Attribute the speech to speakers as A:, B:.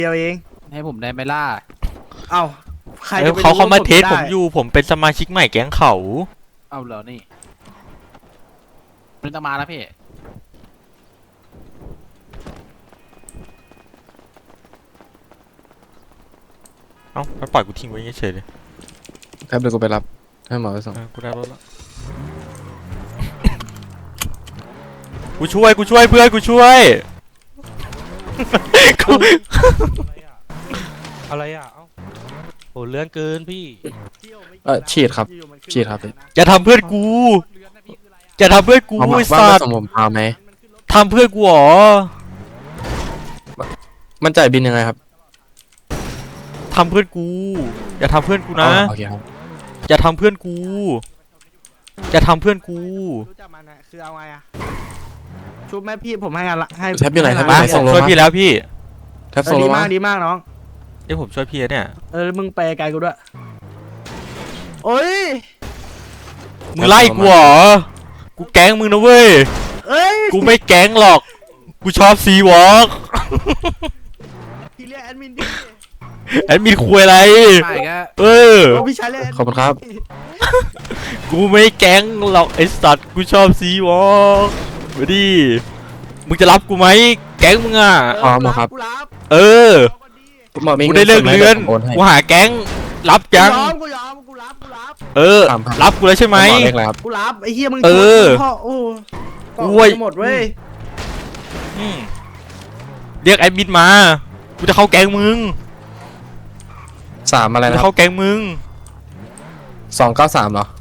A: เดียวเอง
B: ให้ผมได้ไหมล่ะ
A: เอ้าใครจะไปรู้
C: เขามาเทสผม
A: ได้
C: อยู่ผมเป็นสมาชิกใหม่แก๊งเขา
B: เอาเหรอนี่มันจะมาแล้วพี่
C: เอ้าไปปล่อยกูทิ้งไว้เฉยๆเลย
D: แป๊บเดี๋ยวกูไปรับให้หมอไปส่ง
C: กูได้รถแล้วกูช่วยเพื่อนกูช่วยกู
E: อะไรอ่ะเอ้าโหเลื่อนเกินพี่
D: ฉีดครับฉีดครับพี่
C: อย่าทำเพื่อนกูอย่าทำเพื่อนกู
D: เอามา
C: ไอ้
D: ว่า
C: สั
D: มา
C: ตว์
D: ส่งผมพาไหม
C: ทำเพื่อนกูเหรอ
D: มันจ่ายบินยังไงครับ
C: ทำเพื่อนกูอย่าทำเพื่อนกูนะ
D: อ๋อโอเคครับ
C: อย่าทำเพื่อนกูอย่าทำเพื่อนกู
A: รู้จักมันนะคือเอาไงอะชุบแม่พี่ผมให้งานละให้
D: แท็บอยู่ไหนแท็บอ
C: มา
D: ยู่ไหนส่งลง
C: ช่วย
D: มา
C: พี่แล้วพี่
D: แท็บส่งล
A: ดี
D: ง
A: มาม
D: าก
A: ดีมากน้อง
C: เดี๋ยวผมช่วยพี่แล้วเนี่ย
A: มึงไปไกลกูด้วยโอ้ย
C: มึงไล่กูเหรอกูแก๊งมึงนะเว้ย
A: เอ้ย
C: กูไม่แก๊งหรอกกูชอบซีวอล์ก
A: พี่เรียกแอดมินดิ
C: แอดมินคุยอะไร
B: ไม่ก็
C: เออ
A: โอ้พี่ชายเรียกแดมิน
D: ขอบคุณครับ
C: กูไม่แก๊งหรอกไอ้สัตว์กูชอบซีวอล์กมาดิมึงจะรับกูไหมแก๊งมึงอ่ะ
D: พร้อมแล้วครับ
A: กูรับ
C: เออ
D: หมอมี
C: กู
D: งิ
C: ได้เลิก
D: ส่งไหม
C: เรียน
D: ดี๋วผมโอนให้
C: กูหาแก๊งรับยัง
A: กูยอมกูรับ
C: เออ
D: 3,000
C: รับกูแล้วใช่ไหม
D: หมอเรียกอะไรครับ
A: กูรับไอ้เหี้ยมึง
C: เออ
A: พ่อโอ้
C: โอ้ย
A: หมดเว้ย
C: อืมเรียกแอดมินมากูจะเข้าแก๊งมึง
D: 3อะไร
C: กู
D: นะ
C: จะ
D: ครั
C: เข้าแก๊งมึง
D: บ293เหรอ